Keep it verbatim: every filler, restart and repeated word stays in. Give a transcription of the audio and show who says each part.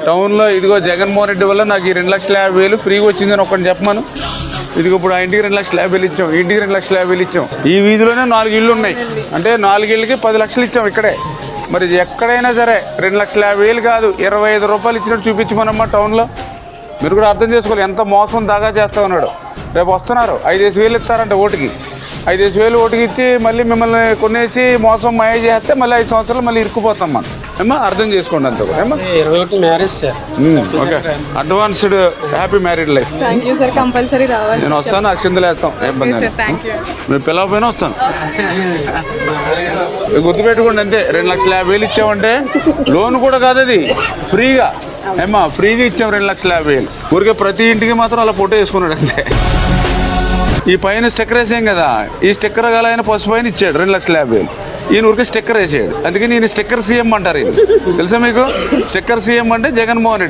Speaker 1: టౌన్లో ఇదిగో జగన్మోహన్ రెడ్డి వల్ల నాకు ఈ రెండు లక్షల యాభై వేలు ఫ్రీగా వచ్చిందని ఒకటి చెప్పమను. ఇదిగో ఇప్పుడు ఆ ఇంటికి రెండు లక్షల యాభై వేలు ఇచ్చాం, ఇంటికి రెండు లక్షల యాభై వేలు ఇచ్చాం. ఈ వీధిలోనే నాలుగు ఇళ్ళు ఉన్నాయి అంటే నాలుగు ఇళ్ళకి పది లక్షలు ఇచ్చాం ఇక్కడే. మరి ఎక్కడైనా సరే రెండు లక్షల యాభై వేలు కాదు ఇరవై ఐదు రూపాయలు ఇచ్చినట్టు చూపించమనమ్మా టౌన్లో. మీరు కూడా అర్థం చేసుకోవాలి ఎంత మోసం దాగా చేస్తా ఉన్నాడు. రేపు వస్తున్నారు ఐదేసి వేలు ఇస్తారంట ఓటుకి, ఐదేసి వేలు ఓటుకి ఇచ్చి మళ్ళీ మిమ్మల్ని కొనేసి మోసం మాయ చేస్తే మళ్ళీ ఐదు సంవత్సరాలు మళ్ళీ ఇరుక్కుపోతాం మనం. ఏమా అర్థం చేసుకోండి అంత కూడా. ఏమా
Speaker 2: ఇరవై ఒకటి marriage sir.
Speaker 1: Okay, advanced happy married life.
Speaker 3: Thank you sir, compulsory రావాలి.
Speaker 1: నేను వస్తాను, అక్షింతలు వేస్తాం, ఏం ఇబ్బంది. మీరు పిలవపోయినా వస్తాను. గుర్తుపెట్టుకోండి అంతే, రెండు లక్షల యాభై వేలు ఇచ్చామంటే లోన్ కూడా కాదు అది, ఫ్రీగా. ఏమా ఫ్రీగా ఇచ్చాం రెండు లక్షల యాభై వేలు. ఊరికే ప్రతి ఇంటికి మాత్రం అలా ఫోటో వేసుకున్నాడు అంతే. ఈ పైన స్టిక్కర్ వేసాం కదా, ఈ స్టిక్కర్ గల ఆయన పసుపు పైన ఇచ్చాడు రెండు లక్షల యాభై వేలు. ఈయన ఊరికే స్టిక్కర్ వేసాడు, అందుకని ఈయన స్టిక్కర్ సీఎం అంటారు. ఇది తెలుసా మీకు? స్టిక్కర్ సీఎం అంటే జగన్మోహన్ రెడ్డి.